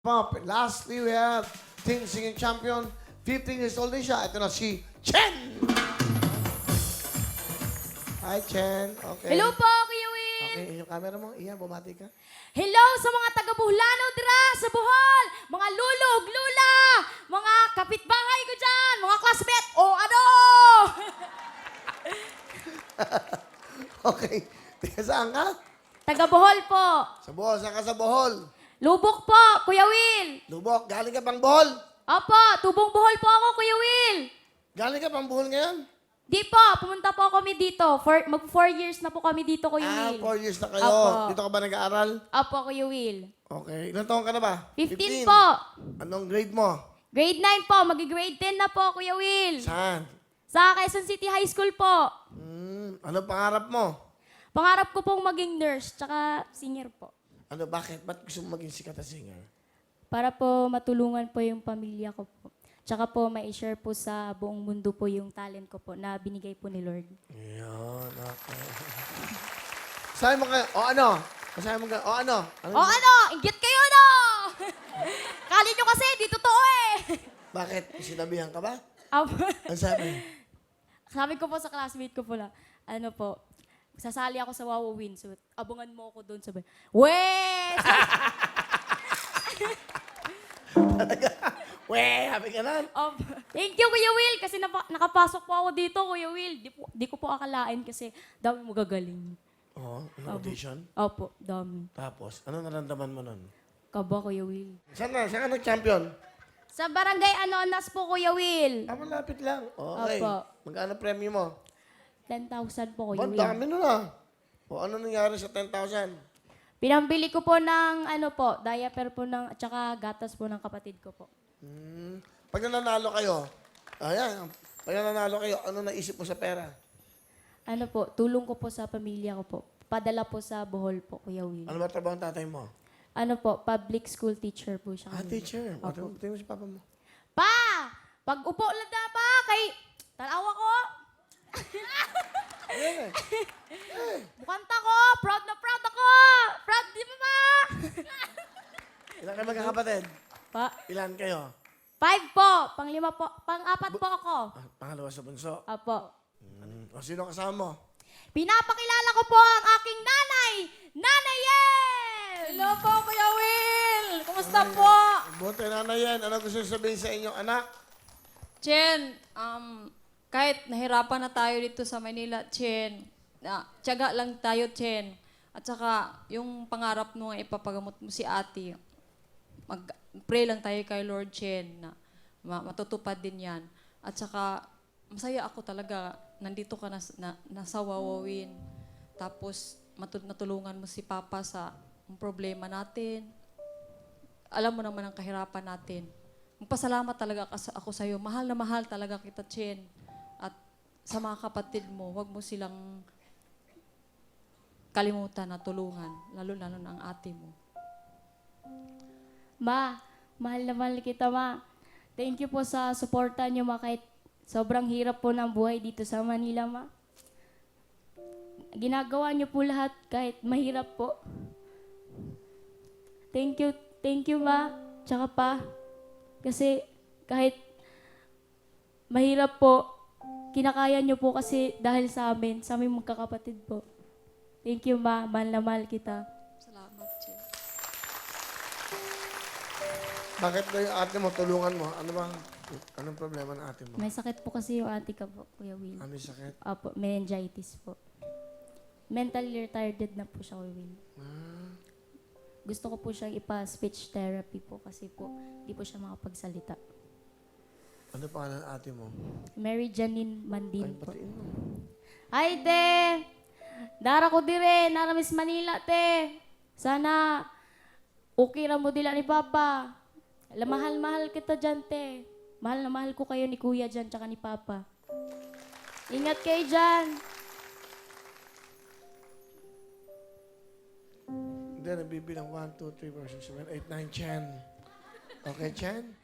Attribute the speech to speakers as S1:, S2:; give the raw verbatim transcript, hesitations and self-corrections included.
S1: Pop. Lastly, we have Teen Singing Champion. fifteen years old din siya. Ito na si Chen! Hi, Chen. Okay.
S2: Hello po, Kuya Will.
S1: Okay, yung camera mo. Iyan, bumati ka.
S2: Hello sa mga taga-Buhlano dira sa Bohol, mga lulog, lula, mga kapitbahay ko dyan, mga classmate, o ano?
S1: Okay. Tiga saan ka?
S2: Taga-Bohol po.
S1: Sa Bohol. Saan ka sa Bohol?
S2: Lubok po, Kuya Will.
S1: Lubok. Galing ka pang Bohol?
S2: Opo, tubong Bohol po ako, Kuya Will.
S1: Galing ka pang Bohol ngayon?
S2: Di po, pumunta po kami dito. For, mag four years na po kami dito, Kuya
S1: Ah,
S2: Will.
S1: four years na kayo.
S2: Opo.
S1: Dito ka ba nag-aaral?
S2: Opo, Kuya Will.
S1: Okay. Ilan taon ka na ba?
S2: fifteen po.
S1: Anong grade mo?
S2: Grade nine po, magi-grade ten na po, Kuya Will.
S1: Saan?
S2: Sa Quezon City High School po.
S1: Hmm. Ano pangarap mo?
S2: Pangarap ko pong maging nurse, tsaka singer po.
S1: Ano, bakit? Ba't gusto mo maging sikat na singer?
S2: Para po matulungan po yung pamilya ko po. Tsaka po ma-share po sa buong mundo po yung talent ko po na binigay po ni Lord.
S1: Ayan, okay. Sabi mo kayo, o ano? Sabi mo kayo, o ano? Ano
S2: O ano? Inggit kayo, no? Kali nyo kasi, di totoo eh.
S1: Bakit? Sinabihan ka ba?
S2: Apo.
S1: Ano sabi?
S2: Sabi ko po sa classmate ko po na, ano po, sasali ako sa Wawa Win. So, abangan mo ako doon. Sabi, weh!
S1: Weh, happy ka na?
S2: Um, thank you, Kuya Will, kasi napa- nakapasok po ako dito, Kuya Will. Di, po, di ko po akalain kasi dami mo gagaling.
S1: Oo, ano audition?
S2: Opo, dami.
S1: Tapos, ano naramdaman mo nun?
S2: Kaba, Kuya Will.
S1: Saan na? Saan ka nag-champion?
S2: Sa barangay Anonas po, Kuya Will.
S1: Ah, malapit lang. Okay.
S2: Opo.
S1: Magkano premyo mo?
S2: ten thousand po,
S1: Ba,
S2: Kuya Will.
S1: dami nun ah. O ano nangyari sa ten thousand?
S2: Pinambili ko po ng, ano po, diaper po ng, at saka gatas po ng kapatid ko po.
S1: Hmm. Pag nananalo kayo, ayan, pag nananalo kayo, ano naisip mo sa pera?
S2: Ano po, tulong ko po sa pamilya ko po. Padala po sa Bohol po, Kuya Will.
S1: Ano ba trabaho ng tatay mo?
S2: Ano po, public school teacher po siya.
S1: Ah,
S2: Kuya Will.
S1: teacher. Ano tingin mo si papa mo?
S2: Pa! Pag upo lang na pa, kay... Tanawa ko!
S1: Eh,
S2: Bukanta ko! Proud na proud ako! Proud, di ba pa?
S1: ilan kayo magkakapatid?
S2: Pa?
S1: Ilan kayo?
S2: Five po. Panglima po. Pang-apat po ako.
S1: Ah, pangalawa sa bunso.
S2: Apo.
S1: Hmm. O sino kasama mo?
S2: Pinapakilala ko po ang aking nanay! Nanay Yel!
S3: Hello po, Kuya Will! Kumusta po?
S1: Buti na yan. Ano gusto sabihin sa inyong anak?
S3: Chen, um, kahit nahirapan na tayo dito sa Manila, Chen, na, tiyaga lang tayo, Chen. At saka, yung pangarap mo nga ipapagamot mo si ate, mag-pray lang tayo kay Lord Chen na ma- matutupad din yan. At saka, masaya ako talaga, nandito ka na, na, nasa Wawawin. Tapos, matu- natulungan mo si Papa sa problema natin. Alam mo naman ang kahirapan natin. Magpasalamat talaga kas- ako sa'yo. Mahal na mahal talaga kita, Chen. At sa mga kapatid mo, huwag mo silang kalimutan na tulungan. Lalo-lalo na ang ate mo.
S2: Ma, mahal na mahal kita, ma. Thank you po sa suporta niyo, ma, kahit sobrang hirap po ng buhay dito sa Manila, ma. Ginagawa niyo po lahat kahit mahirap po. Thank you, thank you, ma. Tsaka pa, kasi kahit mahirap po, kinakaya niyo po kasi dahil sa amin, sa aming magkakapatid po. Thank you, ma. Mahal na mahal kita.
S3: Salamat, Chen.
S1: Bakit ba yung ate mo, tulungan mo? Ano bang, anong problema ng ate mo?
S2: May sakit po kasi yung ate ko po, Kuya Will.
S1: Ano yung sakit?
S2: Opo, meningitis po. Mentally retarded na po siya, Kuya Will.
S1: Ah,
S2: Gusto ko po siyang ipa-speech therapy po kasi po di po siya makapagsalita.
S1: ano pangalan ng ate mo?
S2: Mary Janine
S1: Ay,
S2: Mandin po.
S1: batiin mo.
S2: Ay, te! Dara ko dire, nara Miss Manila, te. Sana okay ra mo dila ni Papa. Alam, mahal-mahal kita dyan, te. Mahal na mahal ko kayo ni Kuya dyan, tsaka ni Papa. Ingat kayo dyan.
S1: Hindi, nabibilang one, two, three, four, six, seven, eight, nine, ten. Okay, Chen?